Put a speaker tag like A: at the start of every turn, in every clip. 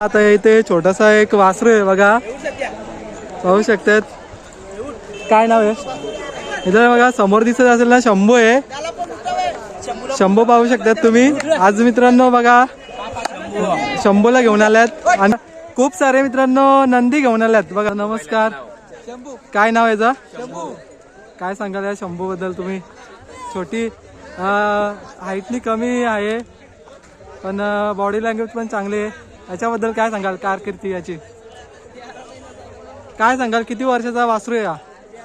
A: आता इथे छोटासा एक वासरू आहे बघा, पाहू शकतात. काय नाव आहे इथं बघा, समोर दिसत असेल ना, शंभू आहे. शंभू पाहू शकतात तुम्ही. आज मित्रांनो बघा शंभूला घेऊन आल्यात आणि खूप सारे मित्रांनो नंदी घेऊन आल्यात बघा. नमस्कार, काय नाव आहे याचं? काय सांगाल या शंभू बद्दल तुम्ही? छोटी हाईटनी कमी आहे पण बॉडी लँग्वेज पण चांगली आहे. याच्याबद्दल काय सांगाल, कारकिर्दी याची काय सांगाल? किती वर्षाचा वासरू आहे?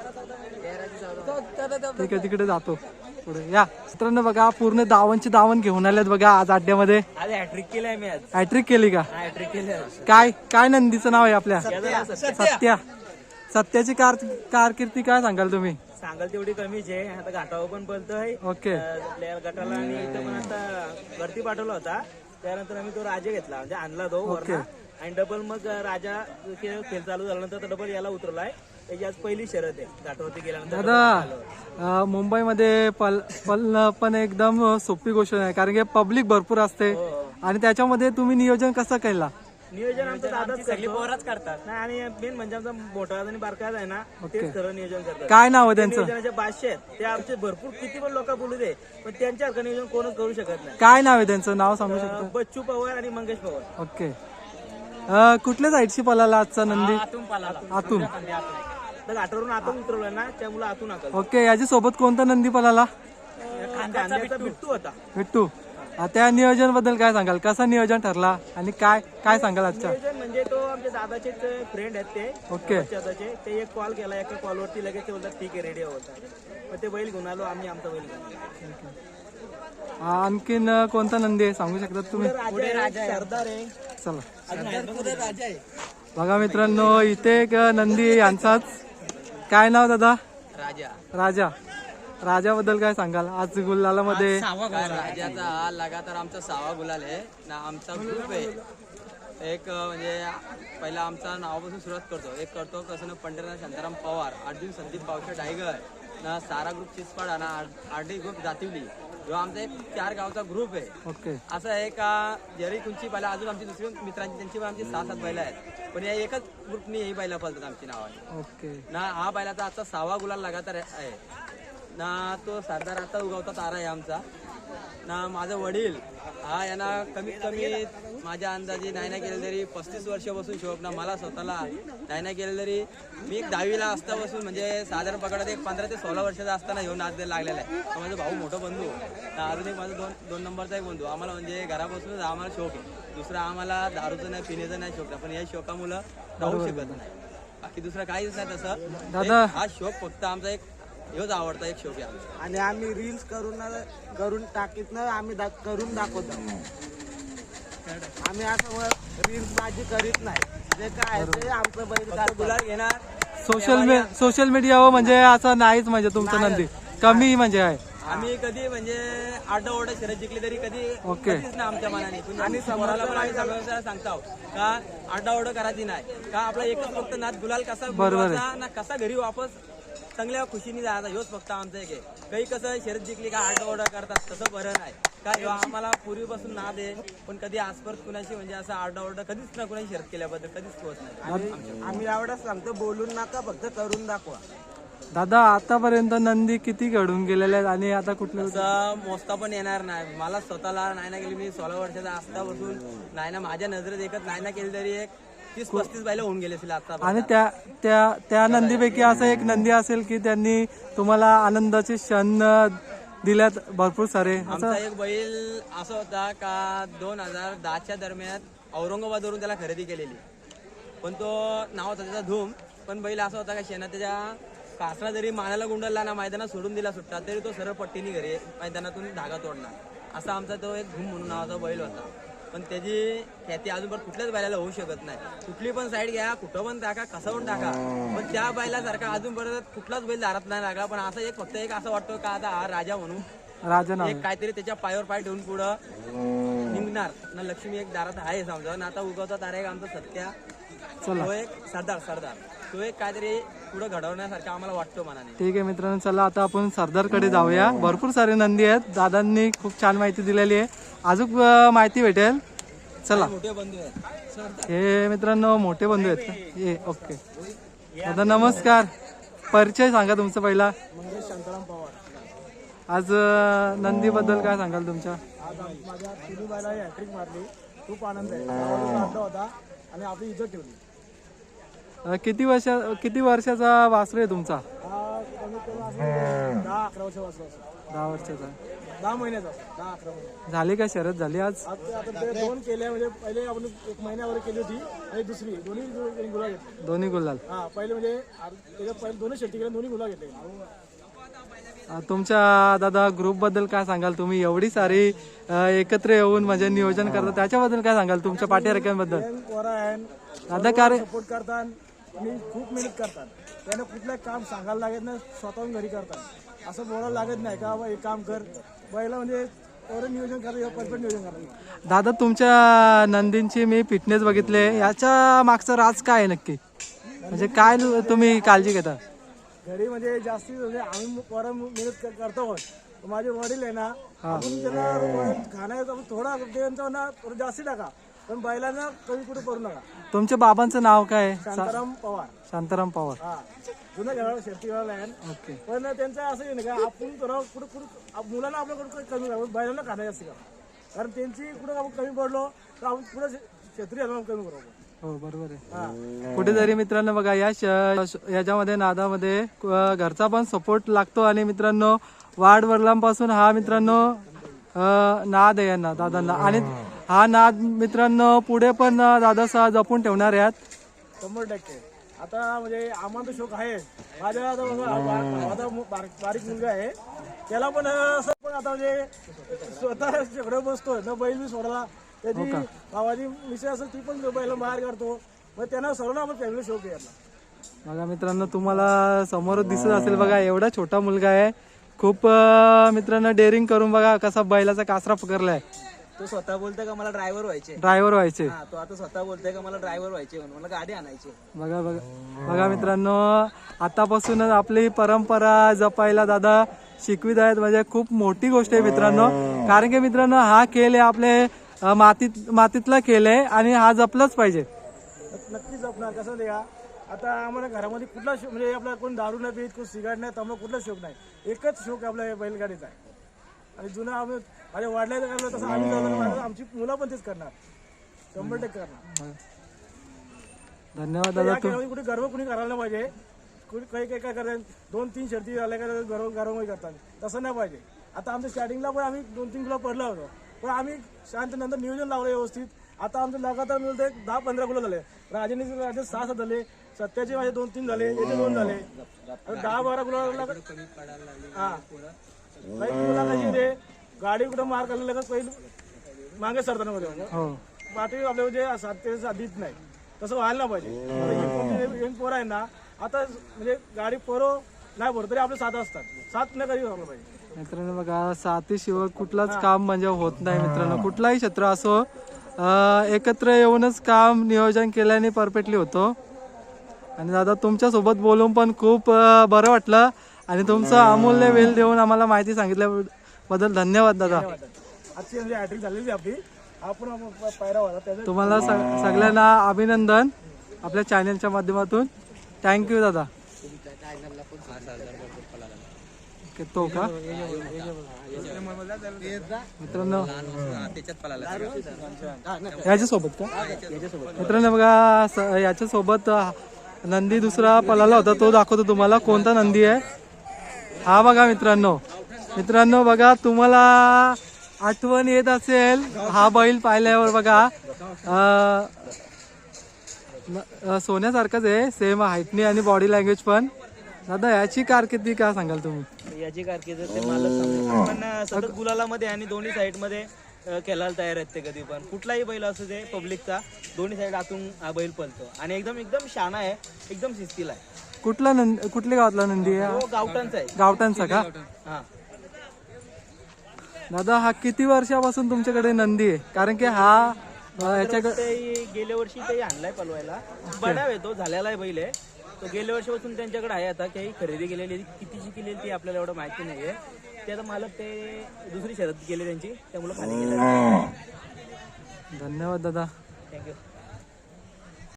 A: ठीक आहे, तिकडे जातो पुढे. या मित्रांनो बघा, पूर्ण दावण घेऊन आल्यात बघा आज अड्ड्यामध्ये.
B: हॅट्रिक केलंय मी आज.
A: हॅट्रिक केली का?
B: हॅट्रिक केलंय.
A: काय काय नंदीचं नाव आहे आपल्या? सत्या. सत्याची कारकिर्दी काय सांगाल तुम्ही?
B: सांगाल तेवढी कमीच आहे. आता घाटावर पण बोलतोय.
A: ओके.
B: आपल्या गटाला आणि इथं पण आता वरती पाठवला होता. त्यानंतर आम्ही तो राजा घेतला, म्हणजे आणला तो वरना. आणि डबल मग राजा खेळ चालू झाल्यानंतर डबल याला उतरलाय. त्याची आज पहिली शर्यत आहे घाटावरती गेल्यानंतर.
A: दादा मुंबईमध्ये पळणं पण एकदम सोपी गोष्ट नाही, कारण की पब्लिक भरपूर असते आणि त्याच्यामध्ये तुम्ही नियोजन कसं केला?
B: नियोजन आमचं दादाच सगळी पोराच करतात ना. आणि मेन म्हणजे आमचा मोठा आणि बारका आहे ना, तेच खरं नियोजन करतात.
A: काय नाव आहे त्यांचं?
B: नियोजनाचे बादशे आहेत ते आमचे. भरपूर किती पण लोक बोलू दे, पण त्यांच्यासारखं नियोजन कोणच करू शकत नाही.
A: काय नाव आहे त्यांचं? नाव सांगू शकतो?
B: बच्चू पवार आणि मंगेश पवार.
A: ओके. कुठल्या साईडची पळाला आजचा नंदी? आतून.
B: घाटावरून आतून उतरवलं ना, त्यामुळे आतून आकल.
A: ओके. याच्या सोबत कोणता नंदी पळाला?
B: कांद्याचा बिट्टू होता.
A: बिट्टू. त्या नियोजन बद्दल काय सांगाल? कसा नियोजन ठरला आणि काय काय सांगाल आजच्या?
B: नियोजन म्हणजे तो आमच्या दादाचे फ्रेंड आहेत ते.
A: ओके.
B: दादाचे ते एक कॉल केला, एका कॉलवरती लगेच ते बोलतात ठीक आहे रेडी होता. मग ते बैल घेऊन आलो आम्ही, आमचा बैल घेऊन.
A: आणखीन कोणता नंदी आहे सांगू शकतात तुम्ही?
B: सरदार आहे.
A: चला बघा मित्रांनो, इथे एक नंदी यांचाच. काय नाव दादा? राजा. राजाबद्दल काय सांगाल? आज गुलाला मध्ये
C: राजाचा हा लगातार आमचा 6वा गुलाल आहे ना. आमचा ग्रुप आहे एक, म्हणजे पहिला आमचा नावापासून सुरुवात करतो. एक करतो कसं ना, पंढरीनाथ शांताराम पवार, अर्जुन संदीप पावशे टायगर ना, सारा ग्रुप चिचपाडा ना, आरडी ग्रुप जातिवली. जो आमचा एक 4 गावचा ग्रुप आहे.
A: ओके.
C: असं आहे का, जरी तुमची बैला अजून आमची दुसरी मित्रांची त्यांची पण आमची 6-7 बैला आहेत, पण या एकच ग्रुपनी ही बैला पळतात आमची नावाने.
A: ओके.
C: ना हा बैलाचा आजचा 6वा गुलाल लगातार आहे ना. तो सरदार आता उगवता तारा आहे आमचा ना. माझं वडील हा यांना कमीत कमी माझ्या अंदाजे नाही ना केलं तरी 35 वर्ष बसून शोक ना. मला स्वतःला नाही ना केलं तरी मी एक 10वीला असता बसून, म्हणजे साधारण पकडत एक 15 ते 16 वर्षाचा असताना घेऊन नाच द्यायला लागलेला आहे. माझा भाऊ मोठा बंधू ना, अजून एक माझा दोन नंबरचा एक बंधू. आम्हाला म्हणजे घरापासूनच आम्हाला शौक आहे. दुसरा आम्हाला दारूचं नाही, पिण्याचं नाही शौक, पण या शौकामुळं राहू शकत नाही. बाकी दुसरं काहीच नाही तसं.
A: दादा
C: हा शौक फक्त आमचा एक हेच आवडता एक शौक आहे.
B: आणि आम्ही रील्स करून टाकीत ना, आम्ही करून दाखवतो. आम्ही असं रील्स बाजी करीत नाही. जे काय ते आमचं बैल गुलाल घेणार.
A: सोशल मीडियावर म्हणजे असं नाहीच, म्हणजे तुमचं नंदी कमी म्हणजे आहे.
C: आम्ही कधी म्हणजे आरडाओरडा शर्यत जिंकली तरी कधी
A: ओके.
C: कधीच नाही आमच्या मनाने. आणि समोराला पण आम्ही सगळ्यांना सांगतो का आरडाओरडा करायची नाही, का आपला एकच फक्त नाद गुलाल कसा मिळवायचा ना, कसा घरी वापस चांगल्या खुशीने जायचा, ह्योच फक्त आमचं एक आहे. काही कसं शर्यत जिंकली का आरडाओरडा करतात, तसं बरं नाही. काय आम्हाला पूर्वीपासून नाद आहे, पण कधी आजपर्यंत कुणाशी म्हणजे असं आरडाओरडा कधीच ना कुणाची शर्यत केल्याबद्दल कधीच पोहोच नाही.
B: आम्ही एवढंच सांगतो, बोलून नका, फक्त करून दाखवा.
A: दादा आतापर्यंत नंदी किती घडून गेलेले आहेत आणि आता कुठलं
C: असं मोजता पण येणार नाही. मला स्वतःला नाही ना केली, मी 16 वर्षाचा असता बसून नाही ना माझ्या नजरेत एकच नाही ना केली तरी एक 30-35 बैल होऊन गेले असेल आता.
A: आणि त्या नंदीपैकी असं एक नंदी असेल की त्यांनी तुम्हाला आनंदाचे क्षण दिल्यात भरपूर सारे?
C: आमचा एक बैल असा होता का 2010च्या दरम्यान औरंगाबादवरून त्याला खरेदी केलेली, पण तो नाव होता त्याचा धूम. पण बैल असा होता का शेणा त्याच्या कासरा जरी मानाला गुंडलला ना, मैदानात सोडून दिला सुट्टा तरी तो सरळ पट्टीने घरी मैदानातून धागा तोडणार. असा आमचा तो एक धूम म्हणून नावाचा बैल होता. पण त्याची ख्याती अजूनपर्यंत कुठल्याच बैलाला होऊ शकत नाही. कुठली पण साईड घ्या, कुठं पण टाका, कसं पण टाका, पण त्या बैलासारखा अजूनपर्यंत कुठलाच बैल दारात नाही लागला. पण असं एक फक्त एक असं वाटतं का आता हा राजा म्हणून एक काहीतरी त्याच्या पायावर पाय ठेवून पुढं निघणार ना. लक्ष्मी एक दारात आहे समजा ना. आता उगवता तारा एक आमचा सत्या, तो एक सरदार तो एक काहीतरी पुढे घडवण्यासारखं आम्हाला वाटतो मनाने.
A: ठीक आहे मित्रांनो, चला आता आपण सरदारकडे जाऊया. भरपूर सारे नंदी आहेत, दादांनी खूप छान माहिती दिलेली आहे, अजून माहिती भेटेल. चला
C: मोठे बंधू आहेत.
A: हे मित्रांनो मोठे बंधू आहेत का? ये ओके दादा नमस्कार. परिचय सांगा तुमचा पहिला.
B: शांताराम पवार.
A: आज नंदी बद्दल काय सांगाल तुमच्या?
B: आज माझ्या तिन्ही बायला हॅट्रिक मारली. खूप आनंद आहे. गावाला आणला होता आणि आपली इज्जत ठेवली.
A: किती वर्षाचा वासरू आहे तुमचा?
B: हा कमीत कमी असं 10-11 वर्ष वाचला असेल.
A: 10 वर्षाचा.
B: 10 महिन्याचा 10-11 महिने.
A: झाली का शरद झाली आज?
B: आता ते 2 केले म्हणजे पहिले आपण 1 महिन्यावर केली होती आणि दुसरी दोन्ही गुला घेतले.
A: दोन्ही गुलाल.
B: हा पहिले म्हणजे त्याच्यात पहिले दोन्ही शेती केल्या दोन्ही गुला घेतले.
A: तुमच्या दादा ग्रुप बद्दल काय सांगाल तुम्ही? एवढी सारी एकत्र येऊन म्हणजे नियोजन करता त्याच्याबद्दल काय सांगाल? तुमच्या पाठीराख्यांबद्दल दादा काय
B: सपोर्ट करतात आणि खूप मेहनत करतात. त्यांना कुठलं काम सांगायला लागत नाही, स्वतःहून घरी करतात. असं बोलायला लागत नाही का हे काम कर. पहिलं म्हणजे एवढं नियोजन करतात, परफेक्ट नियोजन करतात.
A: दादा तुमच्या नंदींची मी फिटनेस बघितले, याच्या मागचं राज काय आहे नक्की? म्हणजे काय तुम्ही काळजी घेता?
B: घरी म्हणजे जास्ती म्हणजे आम्ही पोरं मेहनत करतो. माझे वडील आहे ना, आपण त्यांना खाण्याचं थोडा त्यांचा ना थोडं जास्ती टाका, पण बैलांना कमी कुठे करू नका.
A: तुमच्या बाबांचं नाव काय?
B: शांताराम पवार.
A: शांताराम पवार.
B: हा जुनं घराला शेतीवाला आहे.
A: ओके.
B: पण त्यांचं असं आहे ना का आपण थोडं कुठं मुलांना आपल्याकडे कमी करा, बैलांना खाणं जास्त करा. कारण त्यांची कुठं आपण कमी पडलो तर आपण पुढे शेतकरी कमी करू आपण.
A: हो बरोबर आहे. कुठेतरी मित्रांनो बघा याच्यामध्ये नादामध्ये घरचा पण सपोर्ट लागतो आणि मित्रांनो वाढ वडिलांपासून हा मित्रांनो नाद आहे यांना दादांना आणि हा नाद मित्रांनो पुढे पण दादा जपून ठेवणार आहेत
B: 100%. आता म्हणजे आम्हाला शोक आहे. माझ्या बारीक मुलगा आहे त्याला पण असं पण आता म्हणजे स्वतः शेकडे बसतो न बैल बी सोडला. त्याची भावाची मिसेस असेल ती पण बैल बाहेर काढतो. मग त्यांना सर्वांना आपण फॅमिली शोक आहे यातला.
A: बघा मित्रांनो तुम्हाला समोर दिसत असेल बघा एवढा छोटा मुलगा आहे. खूप मित्रांनो डेअरिंग करून बघा कसा बैलाचा कासरा पकडलाय.
C: तो स्वतः बोलतोय का मला ड्रायव्हर व्हायचे.
A: ड्रायव्हर व्हायचे.
C: तो आता स्वतः बोलतोय का मला ड्रायव्हर व्हायचे म्हणून मला गाडी आणायची.
A: बघा बघा बघा मित्रांनो आतापासूनच आपली परंपरा जपायला दादा शिकवित आहेत. म्हणजे खूप मोठी गोष्ट आहे मित्रांनो. कारण की मित्रांनो हा खेळ आहे आपले मातीतला खेळ आहे आणि हा जपलाच पाहिजे.
B: नक्कीच जपणार. कसं द्या आता आम्हाला घरामध्ये कुठला शोक म्हणजे आपला कोण दारू नाही पीत, कोण सिगारेट नाही, त्यामुळे कुठला शोक नाही. एकच शोक आपल्या बैलगाडीचा आहे. आणि जुना आम्ही माझ्या वाढल्याचं करलं तसं आम्ही झालं आमची मुलं पण तेच करणार 100% करणार.
A: धन्यवाद दादा.
B: कुठे गर्व कुणी करायला नाही पाहिजे. काही काय करतात 2-3 शर्ती झाल्या का गर्व करतात, तसं नाही पाहिजे. आता आमच्या स्टार्टिंगला पण आम्ही 2-3 किलो पडलो होतो, पण आम्ही शांत नंतर नियोजन लावलं व्यवस्थित. आता आमचं लगातार मिळतं 10-15 किलो झाले. राजे 6 झाले, सत्याचे माझे 2-3 झाले, याचे 2 झाले, 10-12 किलो हा काही किलोला कशी रे गाडी कुठं मार करायला लगेच पहिली मागे सरताना पाठी आपल्या म्हणजे 7 ते 7 देत नाही. तसं व्हायला नाही पाहिजे. यंग पोरं आहे ना आता म्हणजे गाडी पोरं नाही भरत तरी आपले 7 असतात. 7 नाही कधी व्हायला पाहिजे.
A: मित्रांनो बघा साथीशिवाय कुठलाच काम म्हणजे होत नाही मित्रांनो. कुठलाही क्षेत्र असो एकत्र येऊनच काम नियोजन केल्याने परफेक्टली होतो. आणि दादा तुमच्या सोबत बोलून पण खूप बरं वाटलं आणि तुमचं अमूल्य वेळ देऊन आम्हाला माहिती सांगितल्याबद्दल धन्यवाद दादा.
B: आजची म्हणजे हॅट्रिक झालेली आपली. आपण पायरा होता
A: तुम्हाला सगळ्यांना अभिनंदन आपल्या चॅनलच्या माध्यमातून. थँक्यू दादा. तो का मित्रांनो याच्यासोबत का मित्रांनो बघा याच्यासोबत नंदी दुसरा पळाला होता तो दाखवतो तुम्हाला कोणता नंदी आहे हा. बघा मित्रांनो बघा तुम्हाला आठवण येत असेल हा बैल पाहिल्यावर बघा सोन्यासारखाच आहे सेम हाईटनी आणि बॉडी लँग्वेज पण. दादा याची कारकिर्दी काय सांगाल तुम्ही?
B: याची कारकीर्द ते मालक सांगतो. पण सतत गुलालामध्ये आणि दोन्ही साईड मध्ये खेळायला तयार आहेत ते. कधी पण कुठलाही बैल असू दे पब्लिकचा दोन्ही साईड आतून हा बैल पळतो आणि एकदम शाणा आहे, एकदम शिस्तीला आहे.
A: कुठल्या गावातला नंदी आहे?
B: गावठाणचा आहे.
A: गावठाणचा का?
B: हा
A: दादा हा किती वर्षापासून तुमच्याकडे नंदी आहे? कारण की हा याच्याकडे
B: गेल्या वर्षी ते आणलाय पलवायला. बडाव आहे तो, झालेला आहे बैल आहे तो. गेल्या वर्षीपासून त्यांच्याकडे आहे. आता काही खरेदी केलेली कितीची केलेली ती आपल्याला एवढं माहिती नाहीये. ते आता मालक ते दुसरी शर्यत केली त्यांची त्यामुळे खाली गेले.
A: धन्यवाद दादा.
B: थँक्यू.